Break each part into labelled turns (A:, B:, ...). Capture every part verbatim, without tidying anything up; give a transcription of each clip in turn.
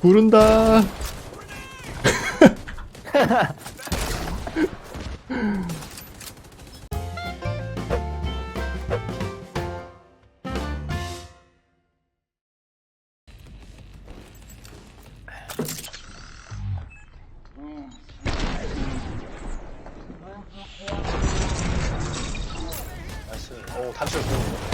A: 부른다.
B: 나이스. 오, 단추를 보는 거.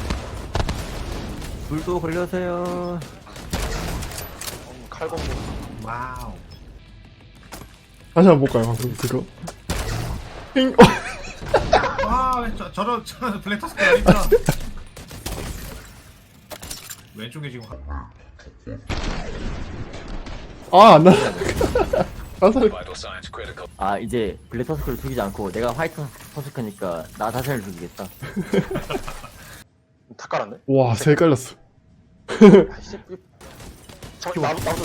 C: 불도 걸려서요.
B: 음, 칼공도.
D: 와우.
A: 다시 한번 볼까요, 방금 그거? 핑. 어.
D: 아, 왜 저, 저런, 저런 블랙타스크 아니잖아. 왼쪽에 지금 한-
A: 아, 안 나. 화살.
C: 아 이제 블랙 터스크를 죽이지 않고 내가 화이트 터스크니까 나 자신을 죽이겠다.
B: 다 깔았네?
A: 와, 세 깔렸어.
B: 아이씨. 저, 나도, 나도.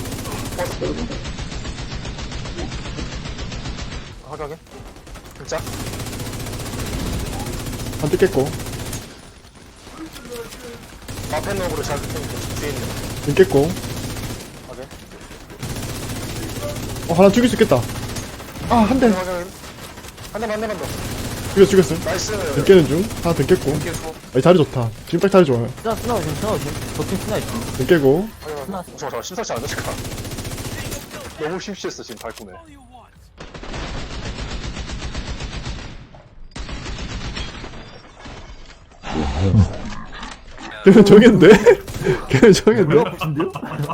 B: 어. 하게, 하게. 진짜?
A: 한 대 깼고,
B: 앞에 놈으로 잘 붙으니까 뒤에 있는.
A: 눈 깼고.
B: 하게.
A: 어, 하나 죽일 수 있겠다. 아, 한 대.
B: 하게, 하게. 한 대만, 한 대만 더.
A: 죽였어, 죽였어.
B: 나이스.
A: 눈 깨는 중. 하나 더 깼고.
B: 계속.
A: 아니, 자리 좋다. 지금 딱 자리 좋아요.
C: 스나 스나 오심 스나 오심. 저팀 스나 있음.
A: 눈 깨고.
B: 하게, 하게.
C: 하나.
B: 잠깐만, 잠깐만. 심상치 않은데, 잠깐. 너무 심취했어, 지금 발꿈에.
A: 걔는 정했는데? 걔는 정했는데?
C: 아픈데요?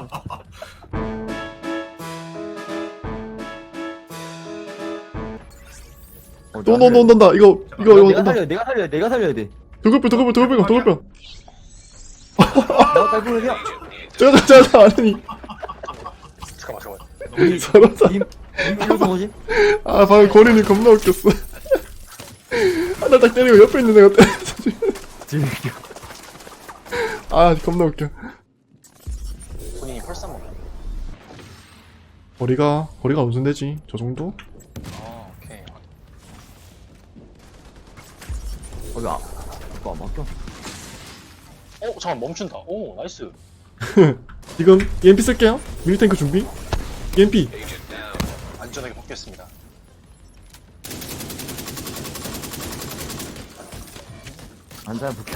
C: 어,
A: 또, 너, 너, 너다. 이거, 이거, 이거,
C: 내가
A: 온다.
C: 살려 내가 살려 내가 살려야 돼.
A: 도급병, 도급병, 도급병, 도급병.
C: 나 깔끔이야.
A: 저거, 저거, 저거, 아니.
B: 잠깐만, 잠깐만.
C: 우리
A: 서로 사.
C: 님 일로서 뭐지?
A: 아, 방금 거린이 겁나 웃겼어. 하나 딱 때리고 옆에 있는 애가 때렸어.
C: 지금
A: 아, 겁나 웃겨.
B: 본인이 펄싸 먹네.
A: 거리가, 거리가 무슨 되지? 저 정도?
B: 아, 오케이.
C: 거기 아 이거 안 막혀.
B: 어, 잠깐 멈춘다. 오, 나이스.
A: 지금 이엠피 쓸게요. 미니탱크 준비. 이엠피.
B: 안전하게 벗겠습니다.
C: 안잘 볼게.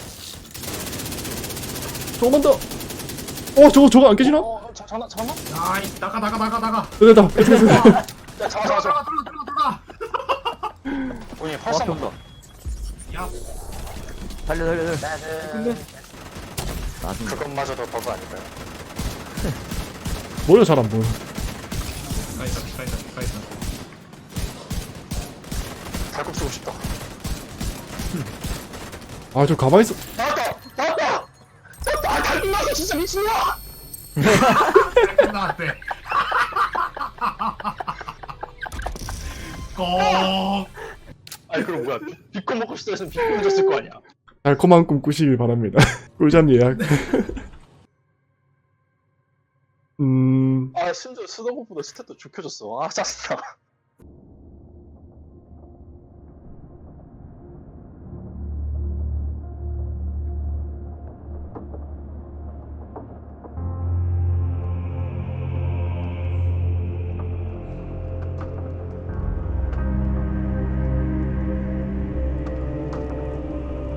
A: 조금만 더. 어, 저거, 저거 안 깨지나?
B: 어, 어, 자, 잠깐만, 잠깐만.
D: 아이, 나가, 나가, 나가, 나가.
A: 됐다, 됐다. 됐다, 됐다.
B: 야, 잠깐만,
D: 들어가,
B: 잠깐만.
D: 들어가, 들어가, 들어가.
B: 본인이
C: 어
B: 펄싸
C: 앞에
B: 먹네.
C: 온다.
D: 야,
C: 살려 살려 살려.
B: 나는
C: 나중.
B: 그것마저도 버그 아닐까요?
A: 머리가 잘 안 보여.
D: 가 있다, 가 있다, 가 있다.
B: 달국 쓰고 싶다.
A: 아, 저 가만히 있어.
B: 나왔다! 나왔다! 나왔다! 아, 달국 나왔어! 진짜 미친놈아!
D: 나한테. 꼭.
B: 아니, 그럼 뭐야. 비- 비꼬 먹고 싶다 했으면 비꼬 해줬을 거 아니야.
A: 달콤한 꿈 꾸시길 바랍니다. 꿀잠 예약. 음,
B: 아, 심지어 스노우보다 스탯도 좁혀졌어. 아, 짜증나.